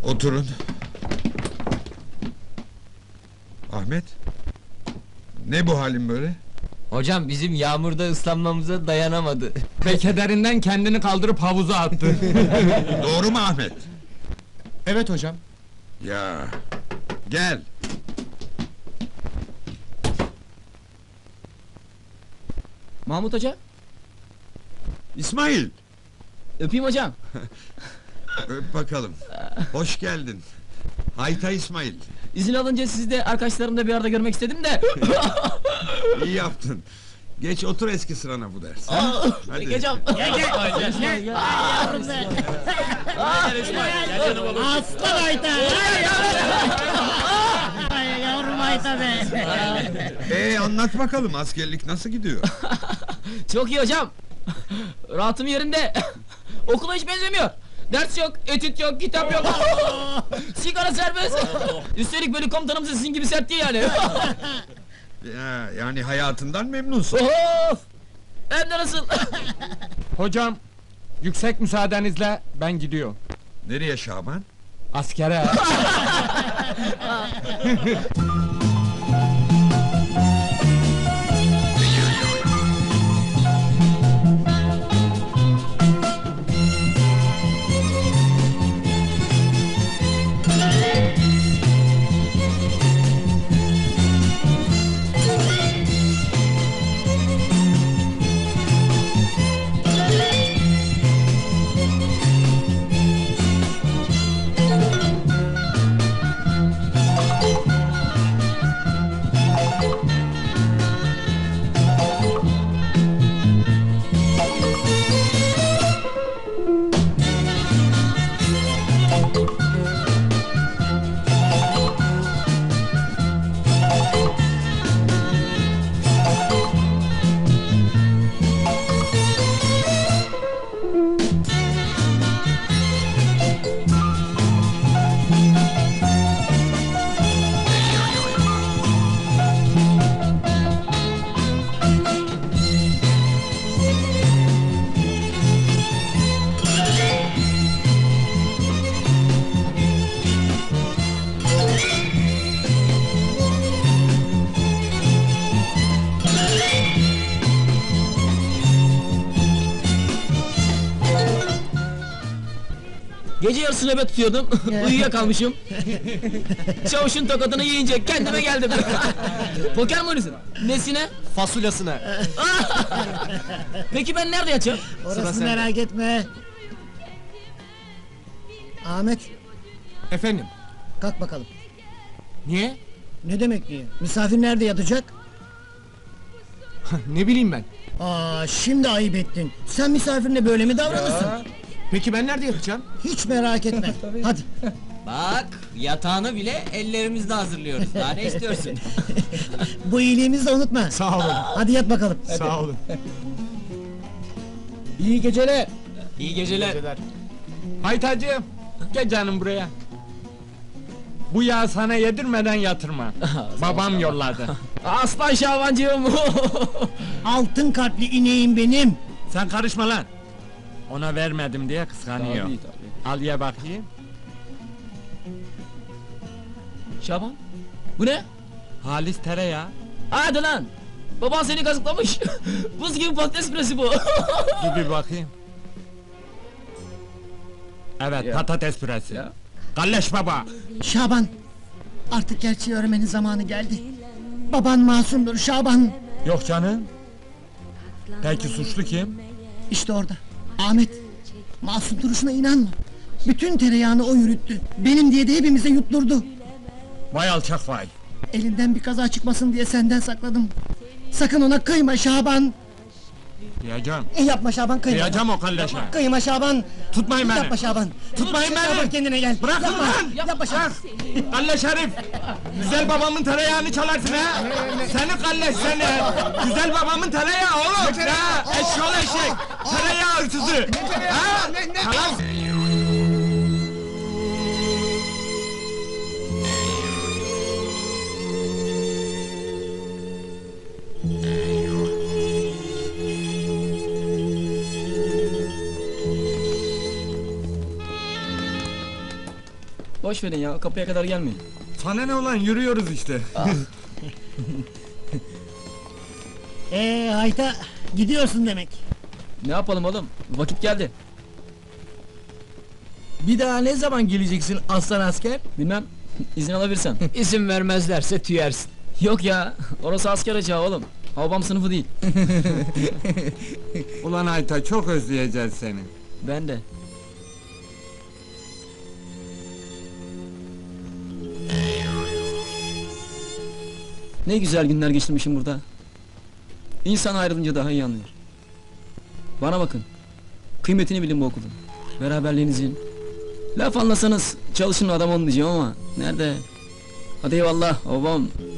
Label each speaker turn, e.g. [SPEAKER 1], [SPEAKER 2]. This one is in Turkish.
[SPEAKER 1] Oturun. Ahmet? Ne bu halin böyle?
[SPEAKER 2] Hocam bizim yağmurda ıslanmamıza dayanamadı.
[SPEAKER 3] Ve kederinden kendini kaldırıp havuza attı.
[SPEAKER 1] Doğru mu Ahmet?
[SPEAKER 3] Evet hocam.
[SPEAKER 1] Ya, gel.
[SPEAKER 2] Mahmut Hoca,
[SPEAKER 1] İsmail,
[SPEAKER 2] öpeyim hocam.
[SPEAKER 1] öp bakalım. Hoş geldin. Hayta İsmail.
[SPEAKER 2] İzin alınca sizi de arkadaşlarımla bir arada görmek istedim de.
[SPEAKER 1] İyi yaptın. Geç otur eski sırana bu ders. Hadi.
[SPEAKER 2] Hocam.
[SPEAKER 4] Aslan Ayta! Ay yavrum Ayta be!
[SPEAKER 1] Anlat bakalım, askerlik nasıl gidiyor?
[SPEAKER 2] Çok iyi hocam. Rahatım yerinde. Okula hiç benzemiyor. Ders yok, etüt yok, kitap yok. Sigara serbest. Üstelik böyle komutanımız sizin gibi sert değil yani.
[SPEAKER 1] Ya, yani hayatından memnunsun.
[SPEAKER 2] Of! Hem de nasıl?
[SPEAKER 3] Hocam, yüksek müsaadenizle ben gidiyorum.
[SPEAKER 1] Nereye Şaban?
[SPEAKER 3] Askere.
[SPEAKER 2] Gece yarısı nöbet tutuyordum. Uyuyakalmışım. Çavuşun tokadını yiyince kendime geldim. Poker mi oynuyorsun? Nesine?
[SPEAKER 3] Fasulyasına.
[SPEAKER 2] Peki ben nerede yatacağım?
[SPEAKER 4] Orası merak etme. Ahmet,
[SPEAKER 3] Efendim,
[SPEAKER 4] kalk bakalım.
[SPEAKER 3] niye?
[SPEAKER 4] Ne demek niye? Misafir nerede yatacak?
[SPEAKER 3] Ne bileyim ben.
[SPEAKER 4] Şimdi ayıp ettin. Sen misafirine böyle mi davranırsın?
[SPEAKER 3] Peki ben nerede yatacağım?
[SPEAKER 4] Hiç merak etme. Hadi.
[SPEAKER 2] Bak, yatağını bile ellerimizle hazırlıyoruz. Daha ne istiyorsun?
[SPEAKER 4] Bu iyiliğimizi de unutma.
[SPEAKER 3] Sağ olun.
[SPEAKER 4] Hadi yat bakalım.
[SPEAKER 3] Sağ olun.
[SPEAKER 4] İyi geceler.
[SPEAKER 2] İyi geceler.
[SPEAKER 3] Haytacığım, gel canım buraya. Bu yağı sana yedirmeden yatırma. Babam yolladı.
[SPEAKER 2] Aslan Şabancığım.
[SPEAKER 4] Altın kalpli ineğim benim.
[SPEAKER 3] Sen karışma lan. Ona vermedim diye kıskanıyor. Al ye bakayım.
[SPEAKER 2] Şaban, bu ne?
[SPEAKER 3] Halis tereyağı.
[SPEAKER 2] Hadi lan! Baban seni kazıklamış. Buz gibi patates püresi bu.
[SPEAKER 3] Dur bir bakayım. Evet, patates püresi. Kalleş baba.
[SPEAKER 4] Şaban, artık gerçeği öğrenmenin zamanı geldi. Baban masumdur Şaban.
[SPEAKER 3] Yok canım. Peki suçlu kim?
[SPEAKER 4] İşte orada. Ahmet. Masum duruşuna inanma. Bütün tereyağını o yürüttü. Benim diye de hepimize yutturdu.
[SPEAKER 3] Vay alçak vay.
[SPEAKER 4] Elinden bir kaza çıkmasın diye senden sakladım. Sakın ona kıyma Şaban.
[SPEAKER 3] Diyeceğim.
[SPEAKER 4] Yapma Şaban, kıyma.
[SPEAKER 3] Diyeceğim o kalleşe.
[SPEAKER 4] Kıyma Şaban.
[SPEAKER 3] Tutmayın beni.
[SPEAKER 4] Yapma Şaban.
[SPEAKER 3] Tutmayın
[SPEAKER 4] Şaban,
[SPEAKER 3] beni.
[SPEAKER 4] kendine gel.
[SPEAKER 3] Bırakın
[SPEAKER 4] Yapma.
[SPEAKER 3] lan.
[SPEAKER 4] Yapma Şaban.
[SPEAKER 3] Kalleş herif! Güzel babamın tereyağını çalarsın ha! Seni kalleş seni! Güzel babamın tereyağı oğlum! Ne? Eşyol eşek! Tereyağı hırsızı! Ha? Tamam!
[SPEAKER 2] Boş verin ya, kapıya kadar gelmeyin.
[SPEAKER 3] Sana ne olan yürüyoruz işte.
[SPEAKER 4] Hayta gidiyorsun demek.
[SPEAKER 2] Ne yapalım oğlum? Vakit geldi.
[SPEAKER 5] Bir daha ne zaman geleceksin aslan asker?
[SPEAKER 2] Bilmem, izin alabilirsen.
[SPEAKER 5] İzin vermezlerse tüyersin.
[SPEAKER 2] Yok ya, orası asker açığı oğlum. Havbam sınıfı değil.
[SPEAKER 3] Ulan Ayta çok özleyeceğiz seni.
[SPEAKER 2] Ben de. Ne güzel günler geçirmişim burada. İnsan ayrılınca daha iyi anlıyor. Bana bakın. Kıymetini bilin bu okulun. Beraberliğinizin. Laf anlasanız çalışın adam olun diyeceğim ama nerede? Hadi eyvallah babam.